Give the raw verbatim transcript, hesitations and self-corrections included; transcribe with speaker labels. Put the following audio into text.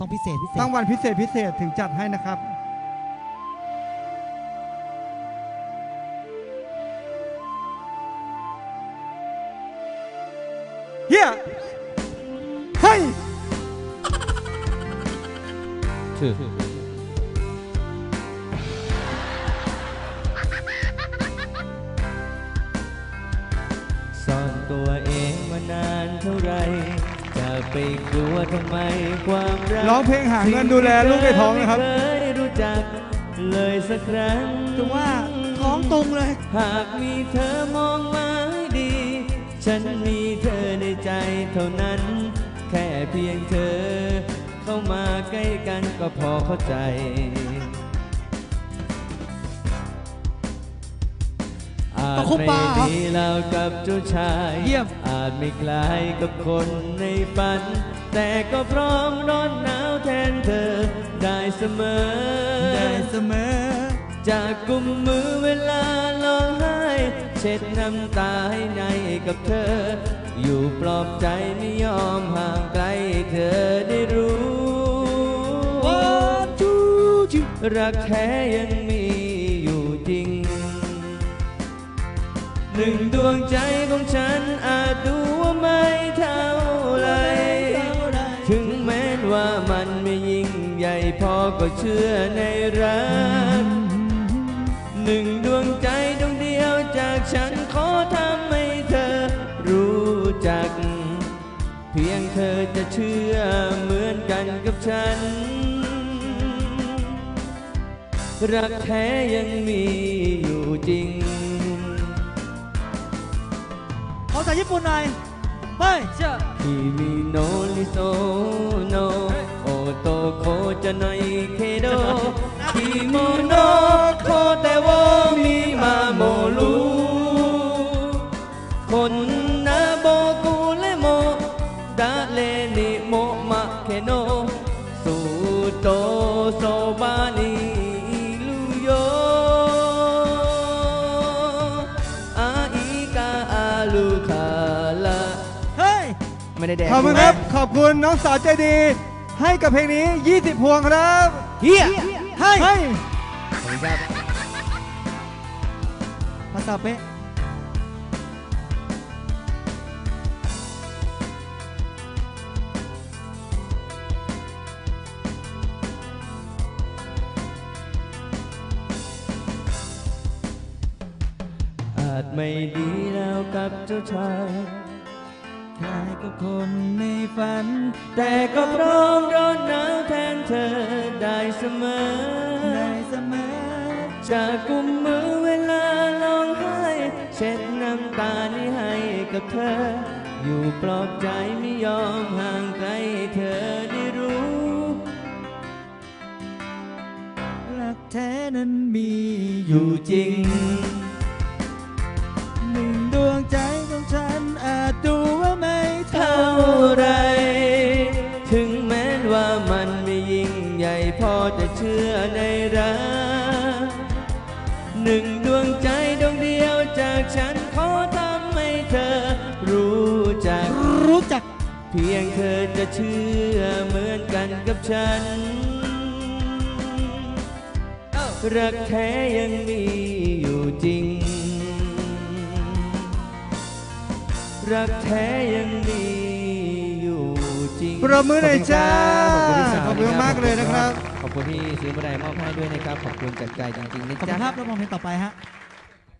Speaker 1: ต้องพิเศษพิเศษ
Speaker 2: รางวัลพิเศษพิเศษถึงจัดให้นะครับเฮียให้
Speaker 3: ชื่อซ่อนตัวเองมานานเท่าไรจะไปกลัวทำไมความรัก
Speaker 2: ร้องเพลงหาเงินดูแลลูกในท้องนะครับ
Speaker 3: ไม่เคยรู้จักเลยสักครั้ง
Speaker 1: ถือว่าท้องตรงเลย
Speaker 3: หากมีเธอมองมาให้ดีฉันมีเธอในใจเท่านั้นแค่เพียงเธอเข้ามาใกล้กันก็พอเข้าใจอาจไม่ดีแล้วกับเจ้าชายอาจไม่คล้ายกับคนในฝันแต่ก็พร้อมร้อนหนาวแทนเธอได้เสมอ
Speaker 1: ได้เสมอ
Speaker 3: จากกุมมือเวลาร้องไห้เช็ดน้ำตาให้ในกับเธออยู่ปลอบใจไม่ยอมห่างไกลเธอได้รู้รักแท้ยังมีอยู่จริงหนึ่งดวงใจของฉันอาจดูว่าไม่เท่าไรถึงแม้ว่ามันไม่ยิ่งใหญ่พอก็เชื่อในรักหนึ่งดวงใจดวงเดียวจากฉันขอทำให้เธอรู้จักเพียงเธอจะเชื่อเหมือนกันกับฉันรักแท้ยังมีอยู่จริง
Speaker 1: ขอจากญี่ปุ่นหน่อยเฮ้ยเชื่อ
Speaker 3: คิมิโนริโซโนโอโตโคจะไนเคโดคิโมโนโคเตโวมิมาโมรุคนนาโบกุเลโมดาเลนิโมมะเคโนสุโตโซบานิ
Speaker 2: ขอบคุณครับขอบคุณน้องสาวใจดีให้กับเพลงนี้ยี่สิบพวงครับ
Speaker 1: เฮียให้
Speaker 2: ให้
Speaker 3: ขอบคุณครับ
Speaker 1: ภาษาเป๊ะ
Speaker 3: อาจไม่ดีแล้วกับเจ้าชาย
Speaker 1: คล้ายกับคนในฝัน
Speaker 3: แต่ก็พร้อมร้อนหนาวแทนเธอได้เสมอ
Speaker 1: ได้เสมอ
Speaker 3: จากกุมมือเวลาร้องไห้เช็ดน้ำตานี้ให้กับเธออยู่ปลอบใจไม่ยอมห่างไกลเธอได้รู้
Speaker 1: รักแท้นั้นมี
Speaker 3: อยู่จริง
Speaker 1: หนึ่งดวงใจของฉันอาจดูว่าไม่
Speaker 3: เท่าไรถึงแม้ว่ามันไม่ยิ่งใหญ่พอจะเชื่อในรักหนึ่งดวงใจดวงเดียวจากฉันขอทำให้เธอรู้จัก
Speaker 1: รู้จัก
Speaker 3: เพียงเธอจะเชื่อเหมือนกันกับฉันรักแท้ยังมีอยู่จริงรักแท้ยังมีอยู่จริง
Speaker 2: ปรบมือหน่อยจ้าขอบคุณมากเลยนะครับ
Speaker 3: ขอบคุณที่ซื้อมาได้มอบให้ด้วยนะครับขอบคุณจากใจจริงๆนะจ๊ะ
Speaker 1: ขอบคุณครับแล้วมองเพลงต่อไปฮะ